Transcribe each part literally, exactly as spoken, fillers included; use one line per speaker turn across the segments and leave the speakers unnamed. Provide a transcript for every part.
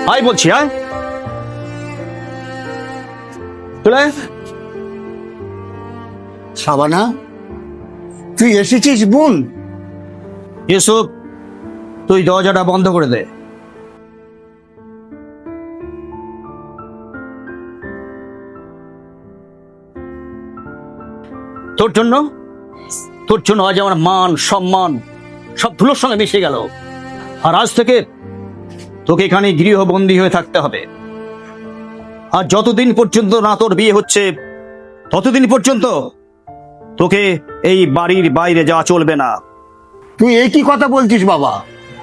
আয় বলছি, আয় চলে আয়।
সাবানা, তুই এসেছিস বোন?
ইউসুফ, তুই দরজাটা বন্ধ করে দে। তোর জন্য তোর জন্য আজ আমার মান সম্মান সব ধুলোর সঙ্গে মিশে গেল। আর আজ থেকে তোকে এখানে গৃহবন্দী হয়ে থাকতে হবে। আর যতদিন পর্যন্ত না তোর বিয়ে হচ্ছে ততদিন পর্যন্ত তোকে এই বাড়ির বাইরে যাওয়া চলবে না।
তুই এই কি কথা বলছিস বাবা?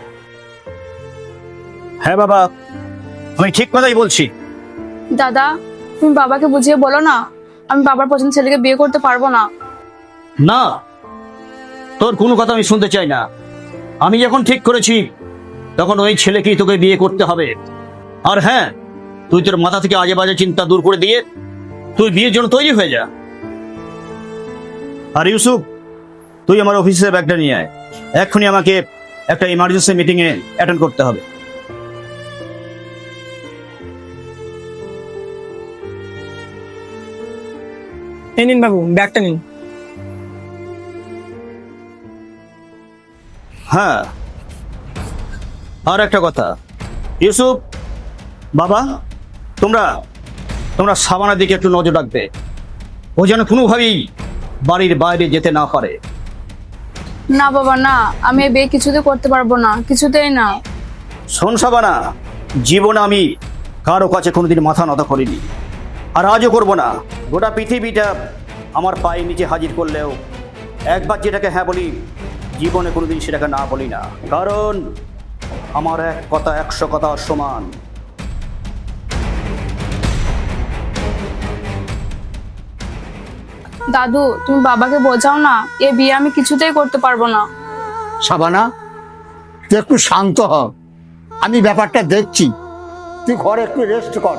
হ্যাঁ বাবা, আমি ঠিক কথাই বলছি।
দাদা, তুমি বাবাকে বুঝিয়ে বলো না, আমি বাবার পছন্দ ছেলেকে বিয়ে করতে পারবো না।
না, তোর কোনো কথা আমি শুনতে চাই না। আমি যখন ঠিক করেছি তখন ওই ছেলেকেই তোকে বিয়ে করতে হবে। আর হ্যাঁ, তুই তোর মাথা থেকে আজে বাজে চিন্তা দূর করে দিয়ে তুই বিয়ের জন্য তৈরি হয়ে যা। আর ইউসুফ, তুই আমার অফিসের ব্যাগটা নিয়ে আয়। এক্ষুনি আমাকে একটা ইমার্জেন্সি মিটিং এ অ্যাটেন্ড করতে হবে।
এই নিন বাবু, ব্যাগটা নিন।
হ্যাঁ, আর একটা কথা, ইউসুফ বাবা, তোমরা তোমরা সাবানার দিকে একটু নজর রাখবে। ও যেন কোনোভাবেই বাড়ির বাইরে যেতে না পারে।
না বাবা না, আমি এই বিয়ে কিছুতে করতে পারবো না, কিছুতেই না।
শোন সাবানা, জীবনে আমি কারো কাছে কোনোদিন মাথা নত করিনি, আর আজও করবো না। গোটা পৃথিবীটা আমার পায়ের নিচে হাজির করলেও একবার যেটাকে হ্যাঁ বলি, জীবনে কোনোদিন সেটাকে না বলি না। কারণ আমার এক কথা একশো কথা সমান।
দাদু, তুমি বাবাকে বোঝাও না, এ বিয়ে আমি কিছুতেই করতে পারবো না।
সাবানা, তুই একটু শান্ত হ, আমি ব্যাপারটা দেখছি। তুই ঘরে একটু রেস্ট কর।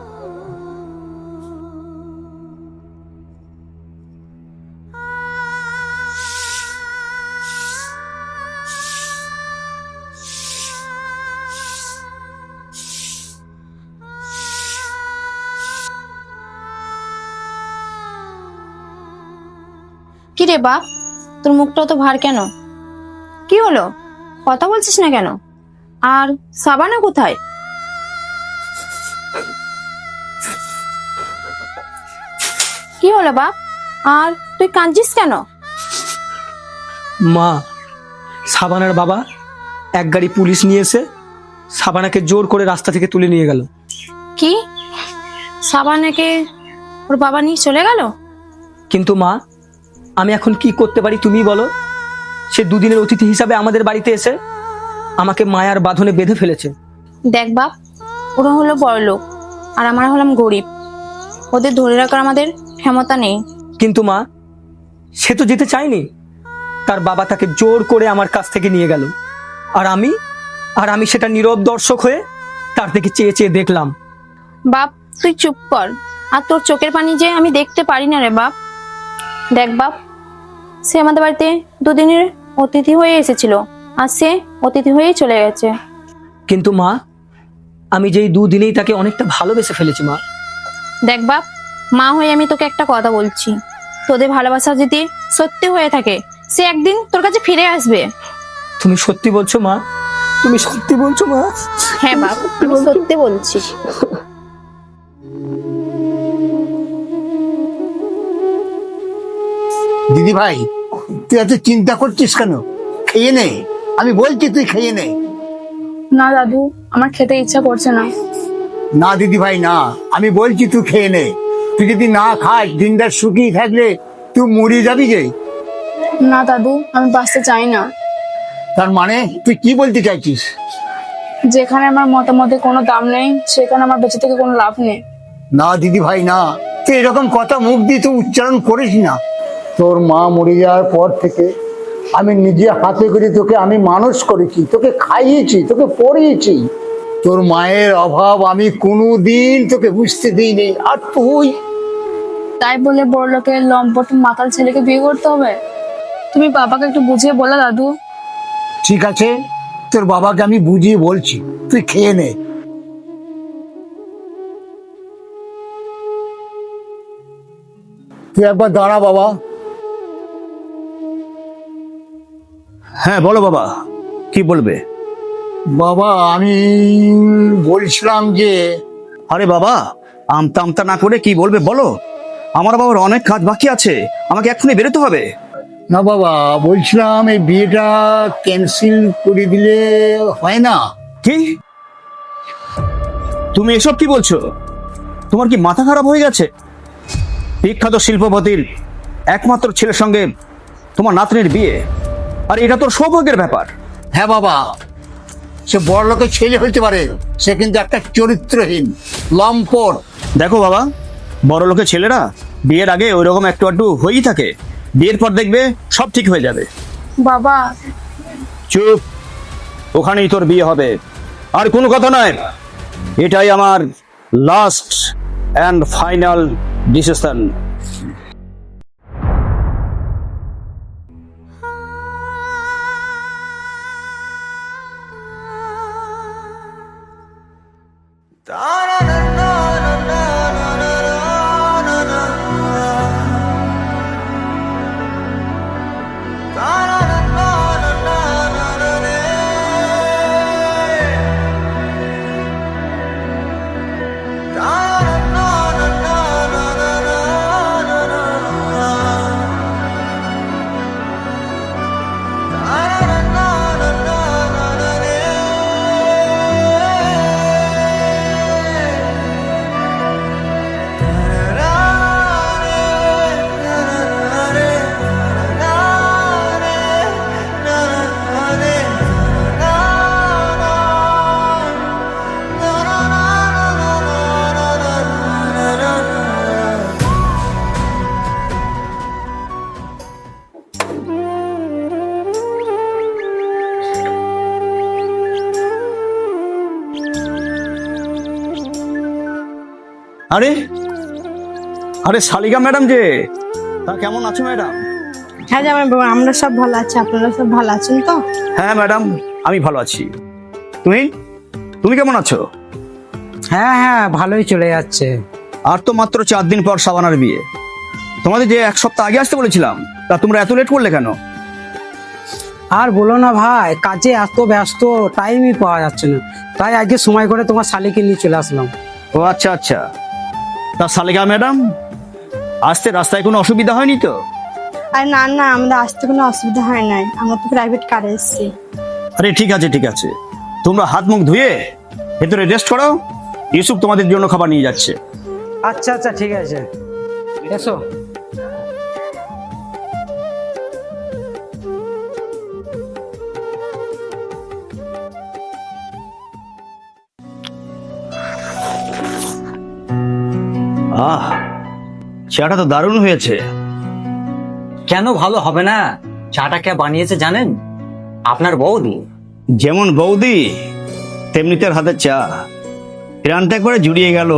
কি রে বাপ, তোর মুখটা তো ভার কেন? কি হলো, কথা বলছিস না কেন? আর সাবানা কোথায়? কি হলো বাপ, আর তুই কাঁদছিস কেন?
মা, সাবানার বাবা এক গাড়ি পুলিশ নিয়ে এসে সাবানাকে জোর করে রাস্তা থেকে তুলে নিয়ে গেল।
কি, সাবানাকে ওর বাবা নিয়ে চলে গেল?
কিন্তু মা, আমি এখন কি করতে পারি তুমি বলো? সে দুদিনের অতিথি হিসাবে আমাদের বাড়িতে এসে আমাকে মায়ার বাঁধনে বেঁধে ফেলেছে।
দেখ বাপ, ওরা হলো বড়লোক আর আমরা হলাম গরিব, ওদের ধরে রাখার আমাদের ক্ষমতা নেই।
কিন্তু মা, সে তো যেতে চায়নি, তার বাবা তাকে জোর করে আমার কাছ থেকে নিয়ে গেল। আর আমি আর আমি সেটা নীরব দর্শক হয়ে তার দিকে চেয়ে চেয়ে দেখলাম।
বাপ তুই চুপ কর, আর তোর চোখের পানি যে আমি দেখতে পারি না রে বাপ। দেখ বাপ, সে আমাদের বাড়িতে দুদিনের অতিথি হয়ে এসেছিল, আর সে অতিথি হয়েই চলে গেছে।
কিন্তু মা, আমি যেই দুদিনেই তাকে অনেকটা ভালোবেসে ফেলেছি মা।
দেখ বাপ, মা হয়ে আমি তোকে একটা কথা বলছি, তোদের ভালোবাসা যদি সত্যি হয়ে থাকে সে একদিন তোর কাছে ফিরে আসবে।
তুমি সত্যি বলছো মা? তুমি সত্যি বলছো মা?
হ্যাঁ বাপ, আমি সত্যি বলছি।
দিদি ভাই, তুই এত চিন্তা করছিস কেন? খেয়ে নে, আমি বলছি তুই খেয়ে নে।
না দাদু, আমার খেতে ইচ্ছা করছে না।
না দিদি ভাই না, আমি বলছি তুই খেয়ে নে। তুই যদি না খাস, দিনটা শুকিয়ে থাকলে তুই মরে যাবি যে।
না দাদু, আমি বাঁচতে চাই না।
তার মানে তুই কি বলতে চাইছিস?
যেখানে আমার মতামতের কোনো দাম নেই, সেখানে আমার বেঁচে থেকে কোনো লাভ নেই।
না দিদি ভাই না, তুই এরকম কথা মুখ দিয়ে তুই উচ্চারণ করিস না। তোর মা মরে যাওয়ার পর থেকে আমি নিজে হাতে করে তোকে আমি মানুষ করেছি, তোকে খাইয়েছি, তোকে পড়িয়েছি। তোর মায়ের অভাব আমি কোনোদিন তোকে বুঝতে দিইনি। আর তুই
তাই বলে বড় লোকের লম্পট মাতাল ছেলেকে বিয়ে করতে হবে? তুমি বাবাকে একটু বুঝিয়ে বলো দাদু।
ঠিক আছে, তোর বাবাকে আমি বুঝিয়ে বলছি, তুই খেয়ে নে। তুই একবার দাঁড়া বাবা।
হ্যাঁ বলো বাবা, কি বলবে?
বাবা আমি বলছিলাম যে
আরে বাবা, আমতা আমতা না করে কি বলবে বলো। আমার বাবার অনেক কাজ বাকি আছে, আমাকে এক্ষুনি বেরোতে হবে।
না বাবা, বলছিলাম এই বিয়েটা ক্যান্সেল করে দিলে হয় না?
কি তুমি এসব কি বলছো? তোমার কি মাথা খারাপ হয়ে গেছে? বিখ্যাত শিল্পপতির একমাত্র ছেলের সঙ্গে তোমার নাতনির বিয়ে, আর এটা তোর সৌভাগ্যের ব্যাপার।
হ্যাঁ বাবা, সে বড় লোকের ছেলে হইতে পারে, সে কিন্তু একটা চরিত্রহীন লম্পট।
দেখো বাবা, বড় লোকের ছেলেরা বিয়ের আগে ওই রকম একটু একটু হয়েই থাকে, বিয়ের পর দেখবে সব ঠিক হয়ে যাবে।
বাবা,
চুপ, ওখানেই তোর বিয়ে হবে, আর কোনো কথা নয়। এটাই আমার লাস্ট অ্যান্ড ফাইনাল ডিসিশন। আরে আরে শালিকা ম্যাডাম যে, তা কেমন আছো ম্যাডাম?
হ্যাঁ জামাই বাবা, আমরা সব ভালো আছি, আপনারা সব ভালো আছেন তো?
হ্যাঁ ম্যাডাম, আমি ভালো আছি। তুমি তুমি কেমন আছো?
হ্যাঁ হ্যাঁ ভালোই চলে যাচ্ছে।
আর তো মাত্র চার দিন পর সাবানার বিয়ে। তোমাদের যে এক সপ্তাহ আগে আসতে বলেছিলাম, তা তোমরা এত লেট করলে কেন?
আর বলো না ভাই, কাজে এত ব্যস্ত, টাইমই পাওয়া যাচ্ছে না, তাই আজকে সময় করে তোমার শালিকে নিয়ে চলে আসলাম।
ও আচ্ছা আচ্ছা, তা শালিকা ম্যাডাম আসতে রাস্তায় কোনো অসুবিধা হয়নি তো?
আর না না, আমাদের আসতে কোনো অসুবিধা হয় নাই, আমরা তো প্রাইভেট কারে এসেছি।
আরে ঠিক আছে ঠিক আছে, তোমরা হাত মুখ ধুয়ে ভেতরে রেস্ট করো, ইউসুফ তোমাদের জন্য খাবার নিয়ে যাচ্ছে।
আচ্ছা আচ্ছা ঠিক আছে, এসো।
আহ, চাটা তো দারুণ হয়েছে।
কেন ভালো হবে না? চাটা কে বানিয়েছে জানেন? আপনার বৌদি।
যেমন বৌদি তেমনি তার হাতের চা, প্রাণটা একবারে জুড়িয়ে গেল।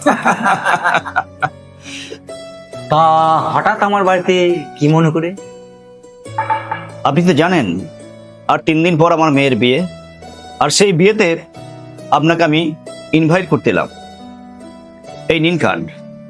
তা হঠাৎ আমার বাড়িতে কি মনে করে?
আপনি তো জানেন আর তিন দিন পর আমার মেয়ের বিয়ে, আর সেই বিয়েতে আপনাকে আমি ইনভাইট করতে এলাম। এই নিন কার্ড।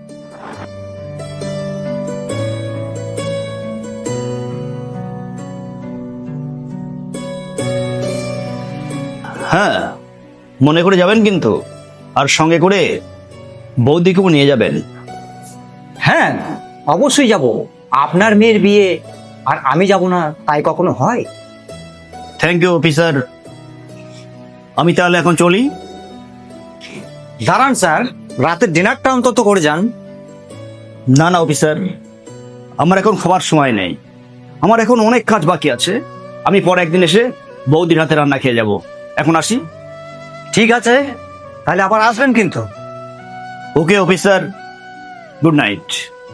হ্যাঁ, মনে করে যাবেন কিন্তু, আর সঙ্গে করে বৌদিকেও নিয়ে যাবেন।
হ্যাঁ অবশ্যই যাব। আপনার মেয়ের বিয়ে আর আমি যাব না তাই কখনো হয়?
থ্যাংক ইউ অফিসার, আমি তাহলে এখন চলি।
দাঁড়ান স্যার, রাতের ডিনারটা অন্তত করে যান।
না না অফিসার, আমার এখন খাবার সময় নেই, আমার এখন অনেক কাজ বাকি আছে। আমি পরে একদিন এসে বৌদির হাতে রান্না খেয়ে যাব। এখন আসি।
ঠিক আছে, তাহলে আবার আসবেন কিন্তু।
Okay officer, good night.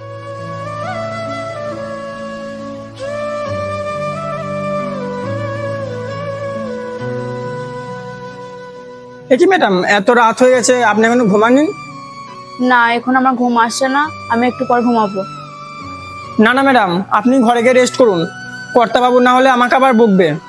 এ কি ম্যাডাম, এত রাত হয়ে গেছে, আপনি এখনো ঘুমাননি?
না এখন আমার ঘুম আসছে না, আমি একটু পর ঘুমাবো।
না না ম্যাডাম, আপনি ঘরে গিয়ে রেস্ট করুন, কর্তাবাবু না হলে আমাকে আবার বকবে।